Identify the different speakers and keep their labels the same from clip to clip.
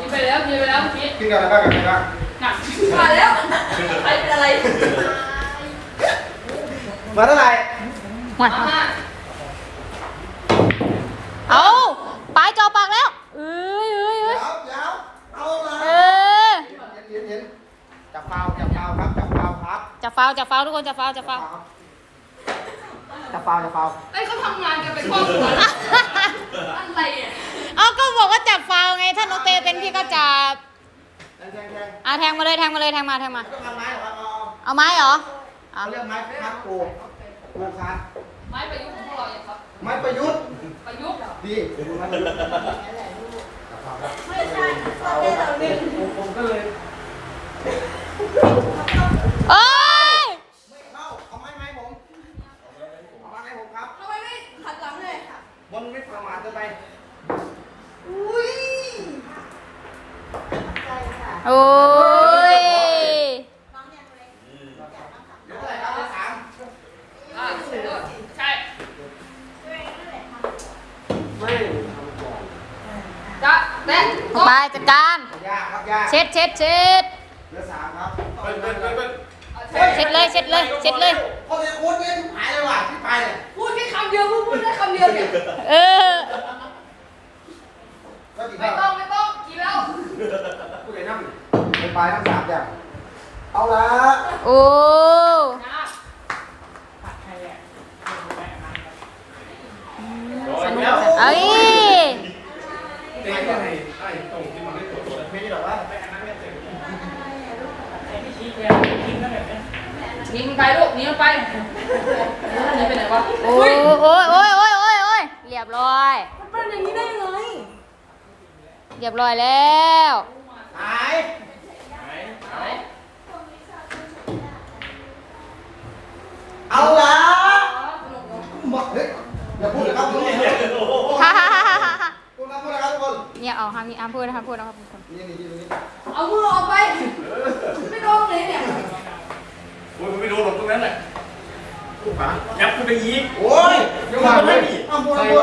Speaker 1: นไปแล้วกินไปแล้วเมื่อกี้
Speaker 2: กินกับอะไรบ้างกันบ้าง
Speaker 1: หนักมาแล้วใครเป็นอะไร
Speaker 2: มาเท่าไหร่
Speaker 3: หมดเอาปลายจอปากแล้วเอ้ย
Speaker 2: เดี๋ยวเอาละ
Speaker 3: เออ
Speaker 2: เห็นจับเปล่าครับจับเปล่าครับ
Speaker 3: จะฟาวทุกคนจะฟาว
Speaker 2: จับเปล่า
Speaker 1: ไอ้เขาทำงานกันเป็นครอบครัวอะไรอ่ะ
Speaker 3: เอาก็บอกว่าจับฟาวไงถ้าน้องเตเป็นพี่ก็จับ
Speaker 2: แทง
Speaker 3: แทงมาเลยแทงมา
Speaker 2: ต้องทำไม้เหรอครับ
Speaker 3: เอาไม้เหรอ
Speaker 2: เขาเรียกไม้คัดโกคัด
Speaker 1: ไม้ประยุกต์ของพวกเราอย่างครับ
Speaker 2: ไม้ประยุทธ์
Speaker 1: ประยุกต์
Speaker 2: ดีไม่ใช่ผมก็เลย
Speaker 3: เอ้ย
Speaker 2: ไม่เข้าเอาไม้ผมเอาไม้ผมครับ
Speaker 1: ทำไมไม่ขัดหลังเลย
Speaker 2: บอลไม่ประมาทเกินไป
Speaker 3: โอ้ย
Speaker 2: เดี๋ยวเท่าไหร่ครับเดี๋ยวสาม
Speaker 1: ใช่
Speaker 2: ไม่
Speaker 1: จะแม่
Speaker 3: ไปจัดการ
Speaker 2: ยากครับยาก
Speaker 3: เช็ด
Speaker 2: เดี๋ยวสามครับ
Speaker 3: เช็ดเลย
Speaker 2: พอจะโค้ดเนี่ยทุกหายเลยว่ะที่ไปเนี่ย
Speaker 1: พูดแค่คำเดียวพูดได้คำเดียวเนี่ย
Speaker 3: เออ
Speaker 2: ก็ดี
Speaker 1: ไม่
Speaker 2: ค
Speaker 1: ต้
Speaker 2: รั
Speaker 1: อบ งกินแล้ว
Speaker 2: ผู้ใหญ่นั่งไปทั้งสามอย่างเอาละ
Speaker 3: โอ้
Speaker 1: นะ
Speaker 3: สนุกจังเอ้ย
Speaker 2: เตะยังไงไอ้ตรงที่มันไม่ตรวจตัวไม่ได้หรอกว่า
Speaker 1: ยิงไปลูกหนีมันไปหนีไปไหนวะ
Speaker 3: โอ้ยเรียบร้อย
Speaker 1: มันเป็นอย่างนี้ได้ไง
Speaker 3: เรียบร้อยแล้ว
Speaker 2: หายเอาละบอกเฮ้ยอย่าพูดเลยครับทุกคน
Speaker 3: ฮ่าฮ่าฮ่าฮ่าฮ่า
Speaker 2: พูดนะครับทุกคน
Speaker 3: เนี่ยเอาห้ามพูดนะครับทุกคน
Speaker 2: นี่นี่นี่
Speaker 1: เอามือออกไปไม่โดนเลยเนี่ย
Speaker 4: โอ้ยไม่โดนหรอกตรงนั้นแหละ
Speaker 2: ขา
Speaker 4: ยับขึ้นไปอีก
Speaker 2: โอ้ยยังมาไม่มีอ้าวพูดพูด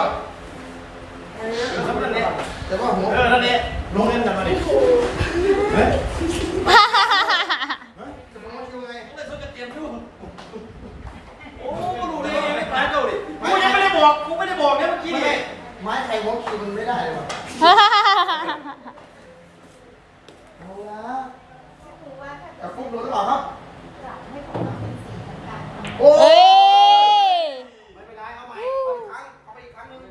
Speaker 2: แต่ว่าหัว
Speaker 4: นั่นเองลงเล่นกันมาดิเฮ้ย
Speaker 2: จะมองคิวไง
Speaker 4: เล่นโซจะเตรียมอยู่โอ้ดูดิไม่ตายเจ้าดิกูยังไม่ได้บอกเนี่ยเมื่อกี้
Speaker 2: ไม่
Speaker 4: นี่
Speaker 2: ไม้ใครวอล์กคิวมันไม่ได้เลยว่ะเอาละกับฟุกโดนหรือเปล่าครับโอ้
Speaker 3: เอ้ย
Speaker 2: ไม่เป็นไรเอาใหม่เอาไปอีกครั้งนึง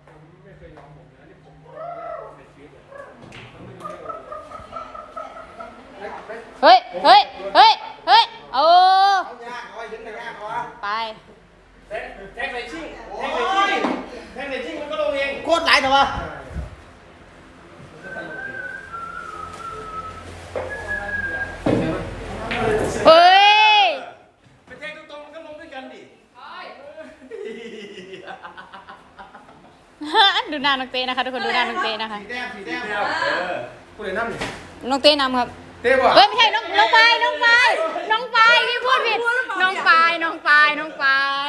Speaker 3: เฮ้ยโอ้
Speaker 2: เอายากเอาไว้ถึงไหนยากเอาวะ
Speaker 3: ไป
Speaker 4: แทงใส่ชิ่งมันก็ลงเอง
Speaker 2: โคตรหลายแต่ว่า
Speaker 3: เฮ้ย
Speaker 4: ไปแทงตรงๆมันก็ลงด้วยกันดิ
Speaker 3: ดูหน้าน้องเต้นะคะทุกคนดูหน้าน้องเต้นะคะ
Speaker 2: สีแดง
Speaker 4: พูดเลยน้ำดิ
Speaker 3: น้องเต้นำครับ
Speaker 2: เต้บ่
Speaker 3: เฮ้ยไม่ใช่น้องปายพี่พูดผิดน้องปายน้องปายนำ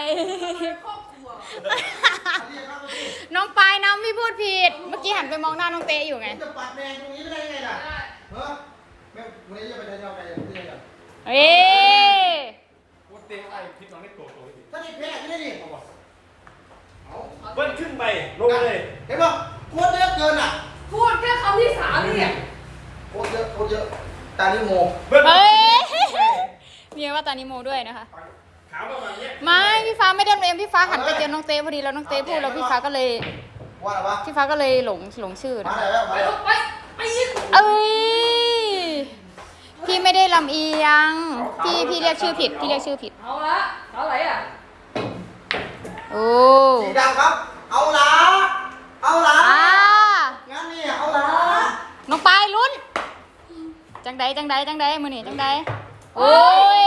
Speaker 3: พี่พูดผิดเมื่อกี้หันไปมองหน้าน้องเต้อยู่ไง
Speaker 2: จะปัดแมงตรงนี้ไม่ได้ไงล่ะเฮ้ยแม่วันนี้จะไปเที่ยวกันที่ไหนกัน
Speaker 3: เอ้ย
Speaker 4: พูดเตะไอ้พิษน้องได้โตดิ
Speaker 2: ถ้านี่แพ้ที่นี่ดิ
Speaker 4: เบิ้ลขึ้นไปลงเลย
Speaker 2: เห็นป่ะโคตรเยอะเกินอ่ะ
Speaker 1: พูดแค่คำที่3เนี่ย
Speaker 2: โคตรเยอะตานี่โม
Speaker 4: เบิ้ล
Speaker 3: เฮ้ยมีว่าตานิโมด้วยนะคะ
Speaker 4: ขาวประมาณนี้
Speaker 3: ไม่พี่ฟ้าไม่ได้เรียนพี่ฟ้าหันไปเจอน้องเต้พอดีแล้วน้องเต้พูดแล้วพี่ฟ้าก็เลย
Speaker 2: ว่าอะไรวะ
Speaker 3: พี่ฟ้าก็เลยหลงชื่อ
Speaker 2: มา
Speaker 3: นะ
Speaker 2: ไหนแล้ว
Speaker 1: ไป
Speaker 2: มา
Speaker 1: ลูกไปยิง
Speaker 3: เอ้ยพี่ไม่ได้ลำเอียงพี่เรียกชื่อผิด
Speaker 1: เอาละเท่าไหร่อ่ะ
Speaker 3: โอ้
Speaker 2: สีดำครับเอาละงั้นนี่เอาละ
Speaker 3: น้องปายลุ้นจังใดมือนี่จังใดโอ้ย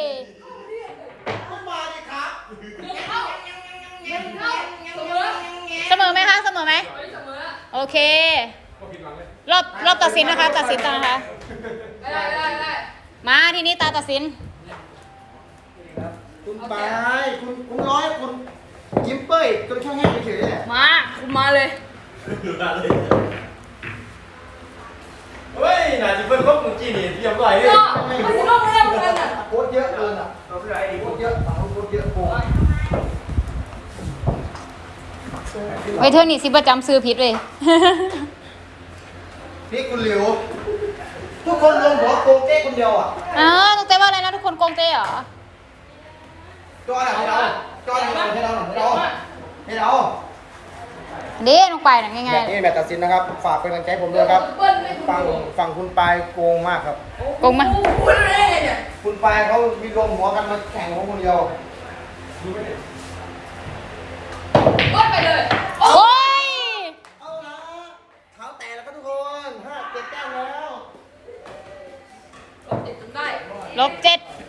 Speaker 2: ต้องมาดิครับ
Speaker 1: เข้าเสมอ
Speaker 3: เสมอไหมคะเสมอไหม
Speaker 1: เสมอ
Speaker 3: โอเครอบตัดสินนะคะตัดสินนะคะ
Speaker 1: ได้
Speaker 3: มาทีนี้ตาตัดสิน
Speaker 2: คุณไปคุณร้อยคุณยิ้มเป้ยจนแค่แห้งเฉยๆแหละ
Speaker 1: มาคุณมาเลย
Speaker 4: ดูได้เลยน่ะที่เพิ่นเขาเมื่อกี้นี่เรียบร้อยเลย
Speaker 1: ก็มันสิลงเรื่องกันอ่ะ
Speaker 2: โคตรเยอะเกินอ่ะ
Speaker 4: เราคือไอ้ดิ
Speaker 2: โคตรเยอะฝั่งนู้นโคตรเยอะโกง
Speaker 3: ไว้เธอนี่สิประจำซื้อผิดเลย
Speaker 2: นี่คุณหลิวทุกคนรวมหัวโกงเจ๊คนเดียวอ่ะ
Speaker 3: ต้องเต้ว่าอะไรนะทุกคนโกงเต้เหรอ
Speaker 2: จอหน่ะให้เราจอหน่ะให้เราให้เรา
Speaker 3: เด้ลงไปนะง่าย
Speaker 2: นี่แมตช์ตัดสินนะครับฝากเป็นกำลังใจให้ผมด้วยครับฝั่งคุณปายโกงมากครับ
Speaker 3: ๆโกงมา
Speaker 1: พูดอะไรเนี่ย
Speaker 2: คุณปายเขามีรวมหัวกันมาแข่งของคนเดียว
Speaker 1: ก็ไปเลย
Speaker 3: โอ้ย
Speaker 2: เอาละเท้าแตกแล้วครับทุกคน5-7 แต้มแล้ว
Speaker 1: ติดจนได้
Speaker 3: ลบ7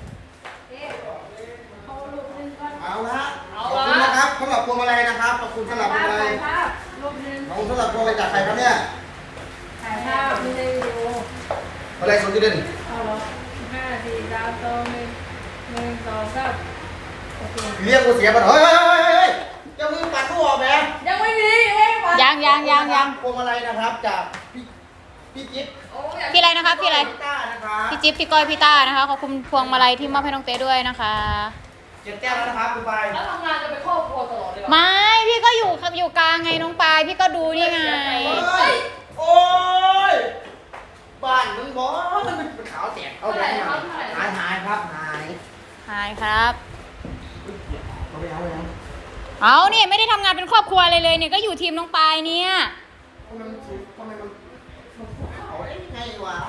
Speaker 2: เอาละขอบคุณนะครับสำหรับพวงมาลัยนะครับขอบคุณสำหรับพวงมาลัย
Speaker 1: รูปนึง
Speaker 2: ขอบคุณสำหรับพวงมาลัยจากใครครับเนี่ย
Speaker 1: ถ่ายภาพไม่ได้วิดีโอ
Speaker 2: มาลัยสนที่เด่น
Speaker 1: เอาเหรอ5 4 3 2 1 2 3โอเค
Speaker 2: เรียกกูเสียบัตรเฮ้ยจะมือปัดกูออกแหม
Speaker 1: ยังไม่มีเองวะ
Speaker 3: ยัง
Speaker 2: พวงมาลัยนะครับจากพี่จิ๊บ
Speaker 1: โอ้ยอยาก
Speaker 3: พี่อะไรนะครับพี่อะไร
Speaker 2: พี่ต้านะครับ
Speaker 3: พี่จิ๊บพี่ก้อยพี่ต้านะคะขอบคุณพวงมาลัยที่มอบให้น้องเต้ด้วยนะคะ
Speaker 2: 7 แต้มแล้วนะครับคุณปาย
Speaker 1: แล้วทำงานจะเป็นครอบครัวตลอดเลย
Speaker 3: ไม่พี่ก็อยู่ครับอยู่กลางไงน้องปายพี่ก็ดูนี่ไง
Speaker 2: เฮ้ยโอ้ยบ้านมึงบอกมันเป็นขาวแตกเอาไปหายครับหาย
Speaker 3: หายครับ
Speaker 2: เอาไปเอาไปเอา
Speaker 3: เอาเนี่ยไม่ได้ทำงานเป็นครอบครัวเลยเนี่ยก็อยู่ทีมน้องปายเนี่ย
Speaker 2: ทำไมมันภูเขาได้ยังไงวะ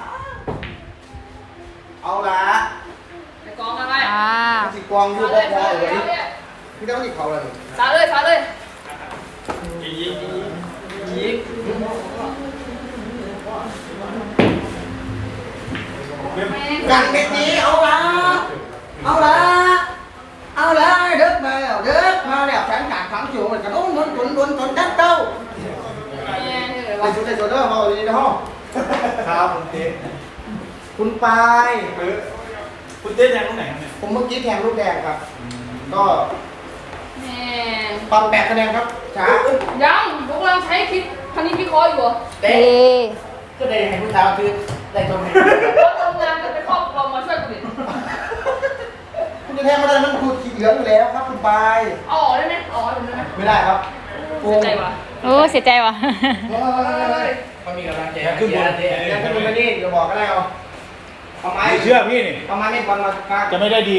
Speaker 2: เอาละ
Speaker 1: ไปกองอะไร
Speaker 2: มันสิกวางอยู่พอๆเลยพี่ต้องหยิบเขาเลย
Speaker 1: สาเลยสาเลย
Speaker 4: ยิง
Speaker 2: กันเม็ดนี้เอาละเอาละเด็กมาแล้วแฟนขาดขังอยู่เหมือนกันโอ้นนจัดเต้าไปชุดเด้อเขาดีนะฮะ
Speaker 4: ครับคุณเต้
Speaker 2: คุณปาย
Speaker 4: คุณเต้แดงตรงไหนครับเนี่ย
Speaker 2: ผมเมื่อกี้แทงลูกแดงครับ ก็
Speaker 1: แม่
Speaker 2: ปรับ8 คะแนนครับช้า
Speaker 1: ยังพวกเราใช้คิดคณิตวิเคราะห์อยู่เหรอ
Speaker 3: เอ๊ะ
Speaker 2: ก็ได้ให้ผู้สาวคือได้ตรงไหน
Speaker 1: เราทำงานกันเป็นครอบครัวมาช่วยกันดิ
Speaker 2: คุณจะแทงไม่ได้มันขูดขีดเหลืองอยู่แล้วครับคุณปาย
Speaker 1: เอาออกได้ไหมเอาออกได้ไหม
Speaker 2: ไม่ได้ครับโกง
Speaker 1: ใจวะ
Speaker 3: โอ้เสียใจว่ะ
Speaker 2: มันมีกำลังใจขึ้นบนยังขึ้นบนไปนี่เดี๋ยวบอกก็ได้เอาไม้
Speaker 4: ไม่เชื่อพี่นี่
Speaker 2: เอาไม้เล่นบอลมากาง
Speaker 4: จะไม่ได้ดี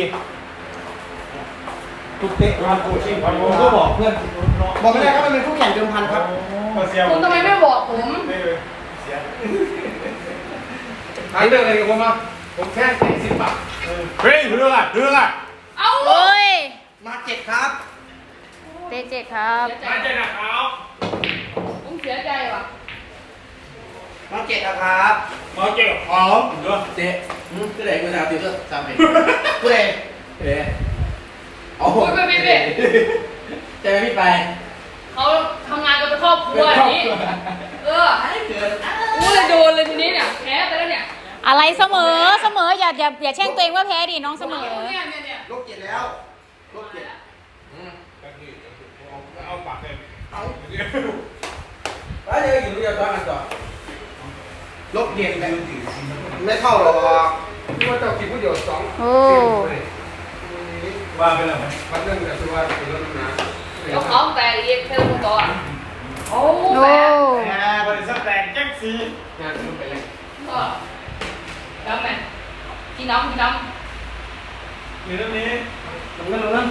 Speaker 4: ทุกเตะวันโคชิ่งผมก็บอกเพื่อน
Speaker 2: บอกไม่ได้ครับมันเป็นคู่แข่งเดิมพันครับ
Speaker 4: เสีย
Speaker 1: คุณทำไมไม่บอกผม
Speaker 4: เสีย
Speaker 2: หายเรื่องอะไรกับผมอ่ะผมแค่แข่ง10 บาท
Speaker 4: เฮ้ยเรื่องอะ
Speaker 1: เอา
Speaker 3: โอ้ย
Speaker 2: มา7ครับ
Speaker 3: เต้เจ็ดครับ
Speaker 1: เสียใจ
Speaker 4: มาเจอกับเขา
Speaker 1: ผมเสียใจว่ะ
Speaker 2: มา7นะครับ
Speaker 4: มาเจอกับเขาเด้อ
Speaker 5: เจ๊ก็ได้เวลาตีก็จำเป็น
Speaker 2: ผู้ใด
Speaker 5: เอ๊ะ
Speaker 2: เอาผม
Speaker 1: ไป
Speaker 5: เจ๊พี่ไป
Speaker 1: เขาทำงานกันเป็นครอบครัวอย่างนี้ให้เกิดกูเลยโดนเลยทีนี้เนี่ยแพ้ไปแล้วเนี่ย
Speaker 3: อะไรเสมออย่าแช่งตัวเองว่าแพ้ดิน้องเสมอ
Speaker 1: เนี่ย
Speaker 2: ลบ7แล้วลบ7
Speaker 4: เอาปากเลย
Speaker 2: เอา
Speaker 5: แล้วเดี๋ยวอยู่เดียวตอนกันต่อ
Speaker 2: ลบ7แบบไม่เข้าหรอกที่ว่าเจ้ากินผู้เดียว2
Speaker 3: โอ้
Speaker 4: ว่าไปแล้วไหม
Speaker 2: วันนึงแต่คือว่าเป็นรถนะ
Speaker 1: เดี๋ยวเขาแต่เย็บเท่าตัวต่อโอ้
Speaker 3: โอ้
Speaker 1: แปะ
Speaker 4: บริษัทแดงแจ็คซี
Speaker 2: งานมันไปเลย
Speaker 1: ก็ดำไหมกินน้ำ
Speaker 4: หรือเรื่องนี้
Speaker 2: ลงนั่น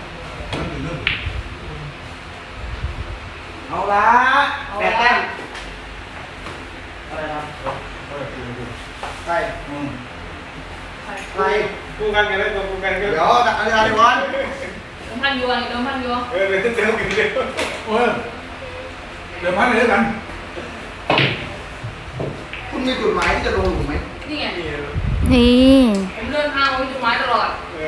Speaker 2: เอาละ8 แต้มอะไรครับใช่ใคร
Speaker 4: คู่กันกันเลยตัวคู่กันกัน
Speaker 2: เดี๋ยวดักอะไรก่อน
Speaker 1: น้ำพันยัวนี่น้ำพันยัว
Speaker 4: เดี๋ยวเดี๋ยวกินเดี๋ยวเดี๋ยวพันเลยกัน
Speaker 2: คุณมีจุดหมายที่จะลงถูกไหม
Speaker 1: นี่ไง
Speaker 3: นี่
Speaker 1: ผมเดินทางไปจุดหมายตลอด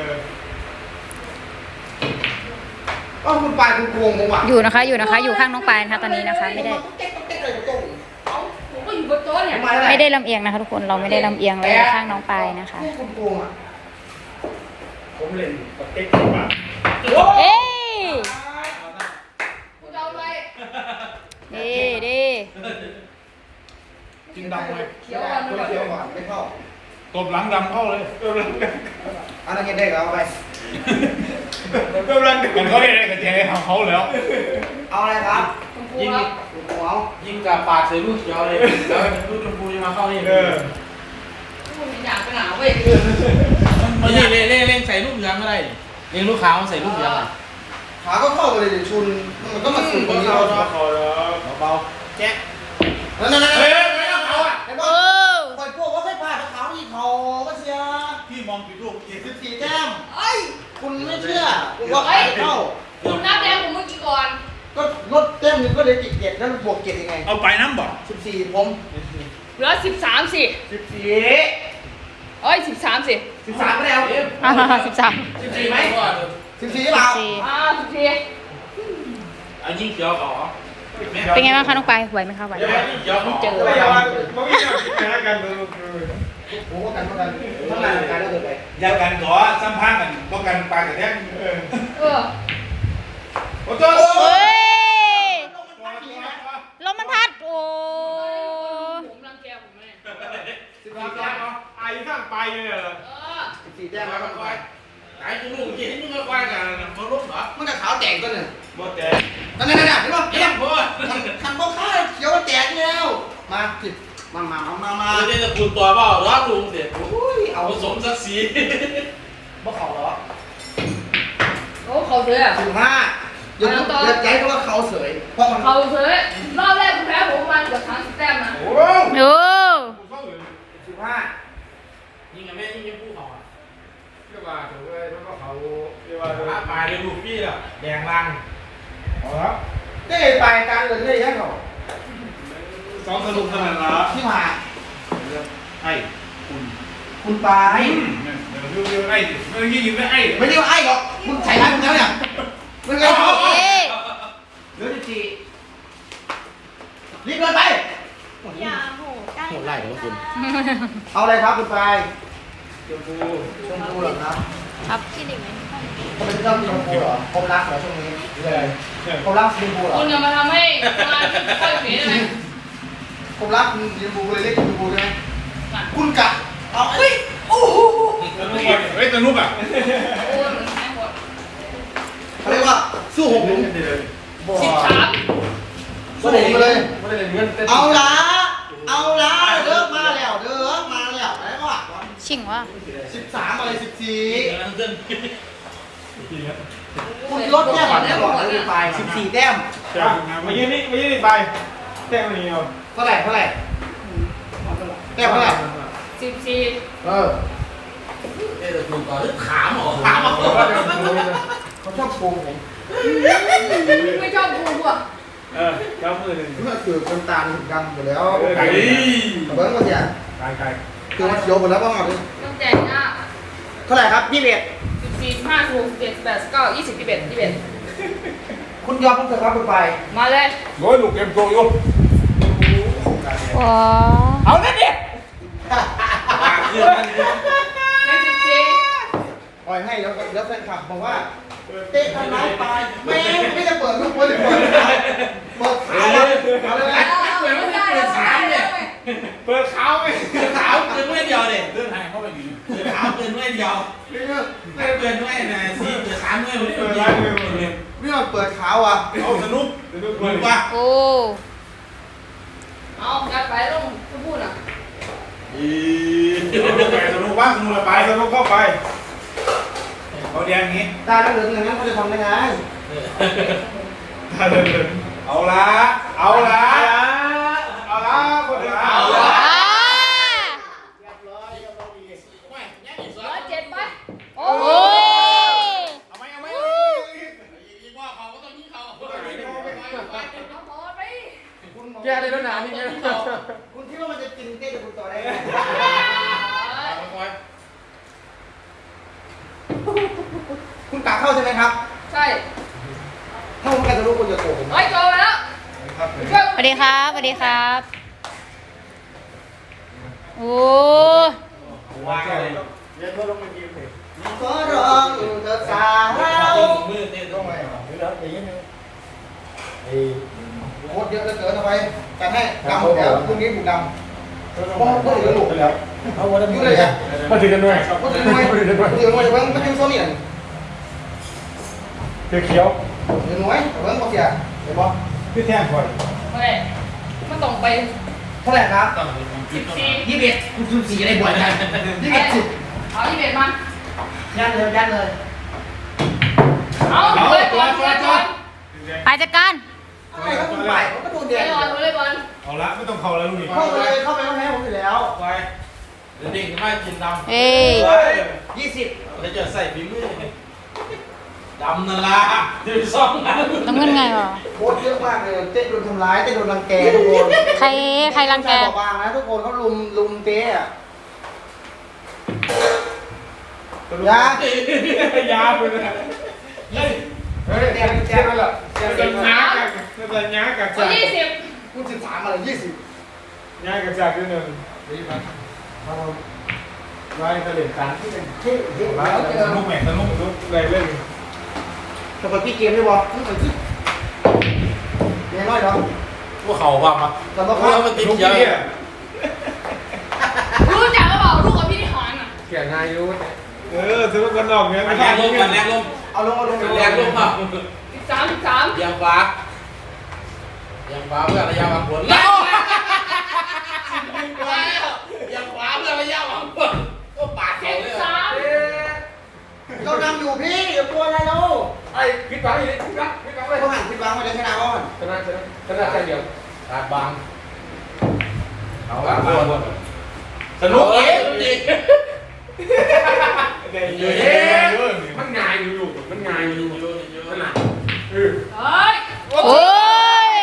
Speaker 2: ก็คุณปลายคุณโกงผมว่ะ
Speaker 3: อยู่นะคะอยู่ข้างน้องปายนะคะตอนนี้นะคะไม่ได้
Speaker 1: เอ้าผมก็อยู่บนโต๊ะเนี่ย
Speaker 3: ไม่ได้ลำเอียงนะคะทุกคนเราไม่ได้ลำเอียงเลยข้างน้องปายนะคะ
Speaker 2: คุณโกงอ่ะ
Speaker 4: ผมเล่นกับเต็กมา
Speaker 3: เอ้ย
Speaker 1: คุณเอาอะไร
Speaker 3: ดี
Speaker 2: จินด
Speaker 6: ดำเลย
Speaker 1: เขียวก่อน
Speaker 2: คน
Speaker 1: ก่อน
Speaker 2: เขียวก่อนไม่เข้า
Speaker 6: ตบหลังดำเข้าเลย
Speaker 2: อันนั้นเห็นได้ก็เอาไป
Speaker 6: มันเขาได้กระเทียมของเขาแล้ว
Speaker 2: เอาอะไรครับ
Speaker 1: ชมพูครับ
Speaker 2: หัว
Speaker 5: ยิงกับปากใส่ลูกเขียวเลยแล้วลูกชมพูจะมาเข้านี่
Speaker 1: พูดอยากไปหนาเว้ย
Speaker 5: มันนี่เล่นใส่ลูกเหลืองก็ได้เล่นลูกขาวใส่ลูกเหลือง
Speaker 2: ขาก็เข้าไปเลยดิชุนมันก็มาสุดตรงนี้เรา
Speaker 5: เบาๆแจ๊ะ
Speaker 2: นั่น
Speaker 6: เฮ้ยไม่ต้องเขาอ่ะ
Speaker 2: ไอ้บ
Speaker 3: เอ
Speaker 2: อล
Speaker 3: อ
Speaker 2: คอยพวกว่าใส่ผ้าขาวอีกเขาก็เสีย
Speaker 6: พี่มองผิดลูกอีก
Speaker 2: 14แต้ม
Speaker 1: เอ้ย
Speaker 2: คุณไม่เชื่อคุณว่าเข้า
Speaker 1: คุณนับแดงผมเมื่อกี้ก่อน
Speaker 2: ก็ลดแต้มนึงก็เลยติด7แล้วบวก7ยังไง
Speaker 6: เอาไปน้ำบ่
Speaker 2: 14ผม
Speaker 1: เหลือ13สิ
Speaker 2: 14
Speaker 1: เอ้ย13สิ
Speaker 2: 13ไม่ได้เอา
Speaker 3: อ่า13
Speaker 5: 14ไหม
Speaker 2: 14เปล่า
Speaker 1: 14
Speaker 5: เอายิงเขียวเขา
Speaker 3: เป็นไงบ้างคะน้องปายไหวไหมคะไหวไหม
Speaker 5: ยิงเขียวเขา
Speaker 3: เจอ
Speaker 2: โอ้โหกันทั้งงานการแล้วเกิดไป
Speaker 6: ยากันขอซ้ำพังกันป้องกันปลากระแทก
Speaker 1: เออ
Speaker 6: โอ้โห
Speaker 3: เฮ้ยลมมันพัดโอ้
Speaker 1: ผมรังแกผมเลย
Speaker 2: 14แต้ม
Speaker 6: ไอ้ข้างไปเลยเหรอ
Speaker 1: เออ
Speaker 2: 14แต้ม
Speaker 5: มา
Speaker 2: แล้ว
Speaker 5: ค่อยๆไอ้กูลูกยิงมึงค่อยๆกันมาลุกเหรอ
Speaker 2: มันก็ขาวแตกตัวหนึ่ง
Speaker 6: หมดแต่
Speaker 2: นั่นเห็นป่ะ
Speaker 5: เยี่ยมพ่อ
Speaker 2: คันบ่ข้าเขียวแตกแล้วมาสิมา
Speaker 5: เราจะคุณตัวเปล่าร้อนลุงเด็ด
Speaker 2: อุ้ยเอา
Speaker 5: ผสมศักดิ์ศรี
Speaker 2: บ่เขาหรอ
Speaker 1: โอ้เขาเสือ
Speaker 2: 15อย่าใจเพราะว่าเขาเสยเพราะมัน
Speaker 1: เขาเสือรอบแรกผมแพ้ผมประมาณเกือบ30แต้มนะ
Speaker 6: โอ้
Speaker 3: โอ้
Speaker 2: 15
Speaker 5: ยิงกันไม่ยิงผู้เขาอ่ะ
Speaker 6: เรียกว่าถือว่าแล้วก็เขาเรียกว่า
Speaker 5: ปลายเลยลูกพี่อ่ะแดงลัง
Speaker 6: เอาละ
Speaker 2: ได้ไปการเงินได้ยังเขา
Speaker 6: สองสนุกสนานละ
Speaker 2: ที่มา
Speaker 6: ไอ้
Speaker 2: คุณไป
Speaker 6: เดี๋ยวไอ้เมื่อกี้ยิงได้ไอ้
Speaker 2: ไม่ได้ว่าไอ้หรอกมึงใส่ร้ายมึงแล้วเนี่ยมึงไง
Speaker 3: เอ๊ะ
Speaker 2: เหลือ14รีบเดินไป
Speaker 5: โหดไล่เดี๋ยวคุณ
Speaker 2: เอาอะไรครับคุณไปชมพูเหรอครับ
Speaker 3: ครับ
Speaker 2: เขาเป็นเจ้าชมพูเหรอผมรักเหรอช่วงนี้
Speaker 6: เลย
Speaker 2: ผมรักชมพูเหรอ
Speaker 1: คุณอย่ามาทำให้งานค่อยเสียได้ไหม
Speaker 2: ผมรักชมพูเลยเรียกชมพูได้ไหมคุณกะเอาเฮ้ยโอ้โห
Speaker 6: เฮ้ยสนุกอ่ะ
Speaker 1: โอ้ยเหมือนแพ้หมด
Speaker 2: เขาเรียกว่าสู้หกหลุม
Speaker 1: 13
Speaker 2: สู้หกไปเลย
Speaker 5: ไม่ได้เงิน
Speaker 2: เอาละเลิกมาแล้วอะไรก็ว่า
Speaker 3: ชิงวะ
Speaker 2: 13อะไร14
Speaker 5: เงิน
Speaker 2: คุณลดแต้มก่อนได้ก่อนเลยไป14แต้ม
Speaker 6: มายืนนี่ไปแท่งนี้เอา
Speaker 2: เท่าไหร่แต้มเท่าไหร่
Speaker 1: 14
Speaker 2: เออ
Speaker 5: เดี๋ยวคุณต่อถามหรอ
Speaker 2: เขาชอบโกงผม
Speaker 1: ไม่ชอบกูอ่ะ
Speaker 6: เจ้ามือหนึ่ง
Speaker 2: เมื่อคือคนตาถึงดำหมดแล้ว
Speaker 6: ไก่
Speaker 2: เบิ้งมันเนี่ย
Speaker 6: ไก่
Speaker 2: คือมันเขียวหมดแล้วบ้างอ่ะ
Speaker 1: ต้องแจกหน้า
Speaker 2: เท่าไหร่ครับ21
Speaker 1: 14 15 16 17 18 19 20 21
Speaker 2: คุณยอมผมเถอะครับคุณไป
Speaker 1: 21มาเลย
Speaker 6: โอ้ยลูกเกมโตอยู่
Speaker 3: ว้า
Speaker 6: เอาเนี่ยดิ
Speaker 5: ปากเพื่อน
Speaker 1: ใน14
Speaker 2: ปล่อยให้แล้วแฟนคลับบอกว่าเตะทำร้ายไปแม่ไม่ได้เปิดลูกบอลเลยเปิดขาเอาเลย
Speaker 1: ไม่ได้แล้วไม่ได้แล้ว
Speaker 6: เปิดเขาไป
Speaker 5: ขาวเกินไม่เดียวเด็
Speaker 6: เดินทางเข้าไปอยู่
Speaker 5: ขาวเกินไม่เดียวไม่เกินไม่นะสีเกิน3ไม่เลย
Speaker 2: ไม่ยอมเปิดขาวอ่ะ
Speaker 6: เอาสนุกเหมือนว่า
Speaker 3: โอ้
Speaker 1: เอายัดไปลงจะพูดอ่ะ
Speaker 6: สนุกบ้างสนุกไปสนุกเข้าไปเขาแดงงี้
Speaker 2: ตาเหลืองอย่างนั้นเขาจะทำได้ไง
Speaker 6: เอาละคนเดียวเอาละ
Speaker 3: อ่า
Speaker 1: 107ไปโอ้
Speaker 3: โอ้ย
Speaker 6: เอาไหม
Speaker 5: ยิงว่าเขาก็ต้องยิงเขา
Speaker 1: เอาบอลไป
Speaker 5: แกได้แล้วนะนี่ไง
Speaker 2: คุณคิดว่ามันจะกินเต้กับคุณต่อได้ไหมคุณกะเข้าใช่ไหมครับ
Speaker 1: ใช่
Speaker 2: ถ้าผมกันจะรู้คุณจะโกงผม
Speaker 1: เฮ้ยโจไปแล้ว
Speaker 3: สวัสดีครับสวัสดีครับโอ้
Speaker 5: ว่างเลย
Speaker 2: ก็ร้องเธอสาว
Speaker 5: มือเต้น
Speaker 2: ต้องไงโคตรเยอะเหลือเกินเอาไปกันให้ดำหมดแล้วพรุ่งนี้บุกดพ่อเพิ่งหลุดไปแล้วเอาวันนี้เลยอ่ะ
Speaker 6: มาถึงกันด้วย
Speaker 2: ก็ถึงหน่วยก็ถึงหน่วยเพิ่งโซนี่อ่ะ
Speaker 6: เขียว
Speaker 2: ถึงหน่วยเพิ่งพอเสียเห็นปะ
Speaker 6: พี่แท่งก่อน
Speaker 1: ไม่มันต้องไป
Speaker 2: เท่าไหร่ครับ
Speaker 1: 14
Speaker 2: 21คุณ4จะได้บ่อยกัน21
Speaker 1: เอา21มา
Speaker 2: ยันเลย
Speaker 1: เอาเลยบอลเลยบอล
Speaker 3: ไปจัดการ
Speaker 2: อะไรก็คุณไปผมก็โดน
Speaker 1: เล
Speaker 2: เดีย
Speaker 1: ยบอลเลยบอล
Speaker 6: เอาละไม่ต้องเข้าแล้วลูกนี่
Speaker 2: เข้าไปเลยเข้าไปแล้วแพ้ผมอยู่แล้ว
Speaker 5: ไปเดี๋ยวเด็กมากินดำ
Speaker 3: เอ้ย
Speaker 2: 20
Speaker 5: แล้วจะใส่ฝีมือดำนั่นละจะไปซ่อมนะ
Speaker 3: น้ำเงินไงวะ
Speaker 2: โคตรเยอะมากเลยเต้โดนทำร้ายเต้โดนรังแกทุกคน
Speaker 3: ใครรังแก
Speaker 2: บอกบางนะทุกคนเขาลุมเต้อะยาย
Speaker 6: าไปเลยเฮ้ยแจ้งแล้วล่ะจะย้ากันจะย้ากัน
Speaker 1: เอา
Speaker 6: จาก
Speaker 1: 20
Speaker 2: คุณ13อะไร20
Speaker 6: ย้ากันจากที่หนึ่ง
Speaker 2: ไว้เฉลี่ยการที่เป็นที่
Speaker 6: มาสนุกแม่สนุกอะไรเล่น
Speaker 2: จะไปพี่เกมได้บ่ต้องไปที่เรียนน้อยเหรอ
Speaker 5: ว่าเขาความอ่ะ
Speaker 2: แต่ว่า
Speaker 5: ว่ามันติด
Speaker 6: ลูก
Speaker 5: เยอะ
Speaker 6: พี่
Speaker 1: รู้จักหรือเปล่าลูกกับพี่ที่หอนอ่ะ
Speaker 6: เขียนนายยุทธสนุกกันออกเงี้ย
Speaker 5: แรงลมกันแรงลม
Speaker 2: เอาลง
Speaker 5: แรงลมอ่ะ
Speaker 1: 13
Speaker 5: ยังฟ้าเพื่อระยะวางผลแล้วยังฟ้าเพื่อระยะวางผลก็ปาดแขนเลย
Speaker 1: 13
Speaker 2: เรานำอยู่พี่อย่ากลัวอะไรเรา
Speaker 6: ไอ้คิดหวังอีกคิดหวังไป
Speaker 2: เขาหันคิดวางไว้เลยชนะก่อน
Speaker 6: ชนะใจเดียว
Speaker 5: ตาบาง
Speaker 6: เอาละมาหมด
Speaker 5: สนุกเองจริง
Speaker 6: เดี๋ยวมันง่ายอยู่มันง่ายอยู่ขนาด
Speaker 1: เฮ้ย
Speaker 3: โอ้ย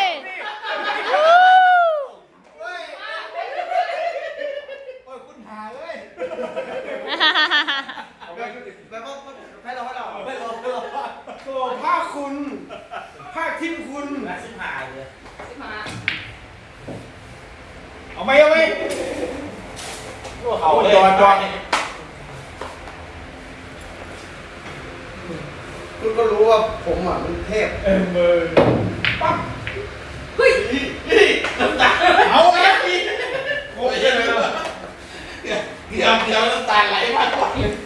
Speaker 2: คุณหาเลยไปว่าให้เรา
Speaker 6: โอ้ภาคคุณภาคทิมคุณ
Speaker 5: น่าสิบหายเลย
Speaker 6: เอาไหม
Speaker 5: เขาเลย
Speaker 6: จอด
Speaker 2: คุณก็รู้ว่าผมอ่ะมันเทพ
Speaker 6: มือ
Speaker 1: เฮ้ย
Speaker 5: น้ำตา
Speaker 6: เอาไอ้พี่
Speaker 5: โอ้ยเดี๋ยวน้ำตาไหลมากกว่า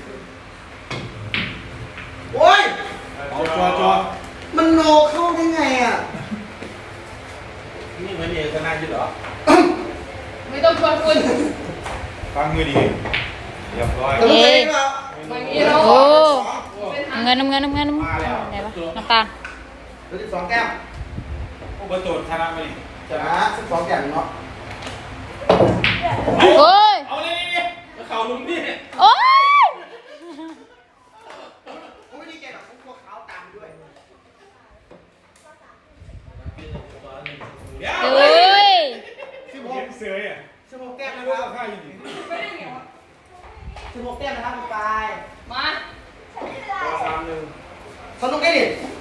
Speaker 2: โอ้ย
Speaker 6: เอาจอ
Speaker 2: มันโนเข้าได้ไงอ่ะ
Speaker 5: นี่เหมือนเอกชนะอยู่เหรอ
Speaker 1: ไม่ต้องชวนคุณ
Speaker 6: ฟังมือดีเรียบร้อย
Speaker 2: จะรู้ได้เปล่า
Speaker 1: ไม่มีเรา
Speaker 3: โอ้
Speaker 1: เป็นทาง
Speaker 3: น้ำเงินไหนวะน้ำตาล
Speaker 2: เหลือ12แก้ม
Speaker 6: อุปโตชนะไป
Speaker 2: ชนะ12แก้มเนาะ
Speaker 3: โอ้ย
Speaker 5: เอาเลยนี่เขาลุมนี่
Speaker 3: โอ้ย
Speaker 2: ผมไม่ดีใจหรอกผมกลัวขาวตามด้วย
Speaker 5: เดี๋ยว
Speaker 3: เอ้ย
Speaker 6: เสืออ่ะ
Speaker 2: 16แก้ม
Speaker 6: ไม่
Speaker 2: นะ
Speaker 6: รู้
Speaker 2: ครับ
Speaker 6: ข้าอยู่ดี
Speaker 1: ไม่ได้ไงวะ
Speaker 2: 16แก้มนะครับคุณปาย
Speaker 1: มา
Speaker 2: สนุกได้ดิ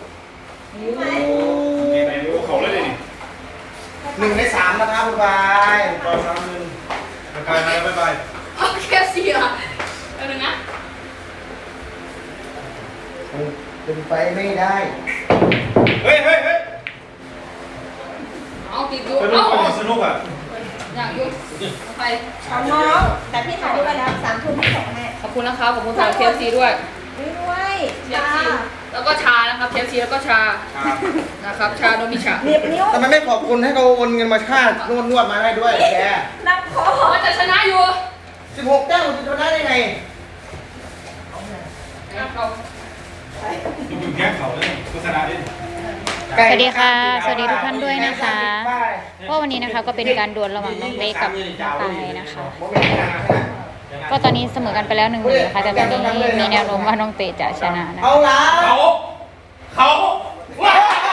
Speaker 6: ไหนรู้เขาเลยดิ
Speaker 2: 1 ใน 3นะครับคุณปาย
Speaker 6: ต่อ3-1ไป
Speaker 1: เอาแค่4อ่ะเอาหนึ่งนะ
Speaker 2: เป็นไปไม่ได้
Speaker 6: เฮ้ย
Speaker 1: เอาติดอยู่
Speaker 6: สนุ
Speaker 1: เอา
Speaker 6: กสนุกอ่ะ
Speaker 1: อยากอยู่ไป
Speaker 7: ของน้องแต่พี่ถ่ายรูปไปแล้ว3 ทุ่มที่ส่งให้
Speaker 1: ขอบคุณนะครับขอบคุณสำหรับ KFC ด้วย
Speaker 7: ด้วย
Speaker 1: KFC แล้วก็ชานะครับ KFC แล้วก็ชานะครับชาโนมิชา
Speaker 7: เหน็บนิ้ว
Speaker 2: ทำไมไม่ขอบคุณให้เขาโอนเงินมาค่านวดมาได้ด้วยแก
Speaker 7: นับคอ
Speaker 1: มันจะชนะอยู่
Speaker 2: 16แก้มคุณจะชนะได้ไง
Speaker 1: นะเขา
Speaker 6: อยู่แก้เขาเลยโฆษณาดิ
Speaker 3: สวัสดีค่ะ สวัสดีทุกท่านด้วยนะคะก็วันนี้นะคะก็เป็นการดวลระหว่างน้องเล็กกับน้องปายนะคะ ก็ตอนนี้เสมอกันไปแล้ว1-1นะคะแต่ตอนนี้มีแนวโน้มว่าน้องเตจะชนะนะ
Speaker 2: เอาละ
Speaker 5: เขาว้า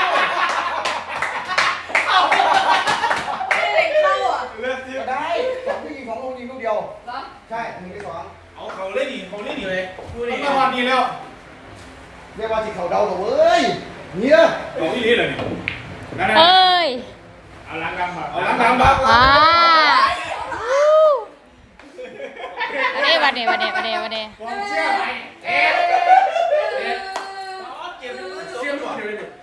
Speaker 7: ไม่ได้เข้าอ่ะ
Speaker 6: เลือกที่
Speaker 2: ได้2ผู้หญิง2ลงยิงลูกเดียว
Speaker 1: เหรอ
Speaker 2: ใช่1 ใน 2
Speaker 6: เอาเขาเล่นดิเขาเล่นดิเลยดูดิ
Speaker 2: ต้องมาวันนี้แล้ว เรียกว่าสิเขาเดาตัวเว้ยเนี่ย
Speaker 6: เอาที่นี่เลยนั่น
Speaker 3: เอ้ย
Speaker 6: เอาล้างดำมาเอาล้างดำมา
Speaker 3: อ่าวันนี้วันนี้
Speaker 6: ผมเชื่อไหม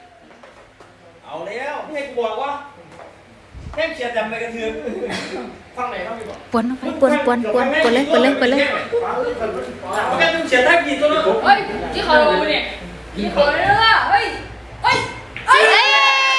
Speaker 4: เอาแล้วพี่ให้กูบอกว่าแค่เขียนจำไปกระเทือนไฟฟังไหนต้องมีบอก
Speaker 3: ปวนลงไปปวนเลย
Speaker 4: มันก็ต้องเขียนท่ากี่ตัวเนาะ
Speaker 1: เฮ้ยที่เขาดูเนี่ยที่เขาดูเนี่ยเฮ้ยเฮ้ยเฮ้ย
Speaker 3: เอ้ย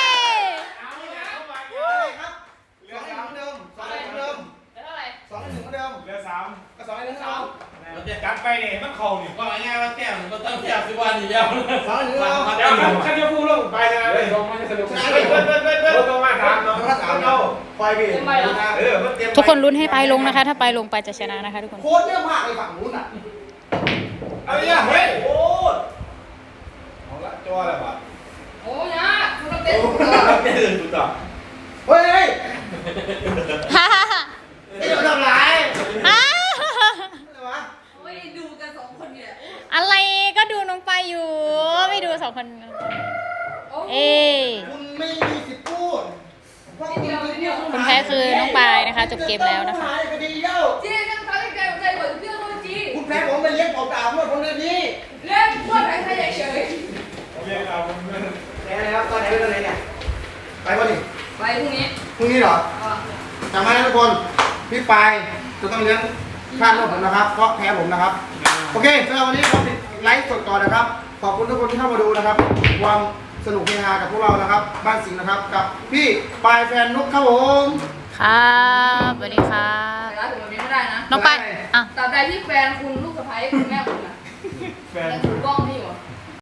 Speaker 2: ครับ2-1เหมือนเดิม2-1เหมือนเดิม
Speaker 1: เท่าไหร่
Speaker 2: 2-1เหมือนเดิม
Speaker 6: เหลือสาม
Speaker 2: ก็2-1เหมือนเดิม
Speaker 6: เราจะกัดไปเนี่ยมันเข่าเนี่ย
Speaker 5: ว่าง่ายว่าแก้วมันก็ต้องแก้วสิวันอีกแล้ว
Speaker 2: 2-1เหมือนเดิม
Speaker 6: เดี๋ยวขันจะพูดลงไปนะเลยลงมันจะสนุกรถต้องมาถามเนาะเอาไปพี่มันเตรียม
Speaker 3: ทุกคนลุ้นให้ไปลงนะคะ ถ้าไปลงไปจะชนะนะคะทุกคน
Speaker 2: โคตรเยอะมากเลยฝั่งนู้นอ่ะ
Speaker 6: เอาเนี่ยเฮ้ยโอ้เอาละจ้าอะไรวะ
Speaker 1: โอ้ยนะมันเต้น
Speaker 6: เต้นสุดต่อ
Speaker 2: เฮ้ย
Speaker 3: ฮ่าฮ่าฮ่า
Speaker 2: ไอ้เดี๋ยวทำไร
Speaker 3: ฮ่า
Speaker 2: อะไรวะ
Speaker 1: โอ้ยดูกันสองคนเนี่ย
Speaker 3: อะไรก็ดูน้องไปอยู่ ไม่ดู2 คน เอ้
Speaker 2: คุณไม่มีสิทธิ์พูดเพราะคุณเป็นผู้
Speaker 3: คนแพ้คือน้องปายนะคะ จบเกมแล้วนะคะ
Speaker 2: คดีเดียว
Speaker 1: จีนั่งท้ายใจใจหมดเรื่องคนจี
Speaker 2: คุณแพ้ผมไปเลี้ยงเปล่าๆเมื่อคนเดือนนี้
Speaker 1: เรื่องพวกใครใครเฉย
Speaker 6: เรียกเอา
Speaker 2: แพ้แล้วตอนไหนเป็นตอนไหนเนี่ยไปวันนี้
Speaker 1: ไปพรุ่งนี้
Speaker 2: พรุ่งนี้เหรอจำไว้นะทุกคนพี่ปายจะต้องเลี้ยงค่านวดผมนะครับเพราะแพ้ผมนะครับโอเคสำหรับวันนี้เราปิดไลฟ์สดก่อนนะครับขอบคุณทุกคนที่เข้ามาดูนะครับความสนุกเฮฮากับพวกเรานะครับบ้านสิงห์นะครับกับพี่ปายแฟนนุ๊กครับผม
Speaker 3: ครับสวัสดีครั
Speaker 1: แต่
Speaker 3: บ
Speaker 1: ร้านถึงวันนี้ไม่ได้นะ
Speaker 3: น้องไปายอ่ะ
Speaker 1: ตราบใดที่แฟนคุณลูกสะใภ้คุณแม่คุณนะ
Speaker 6: แฟน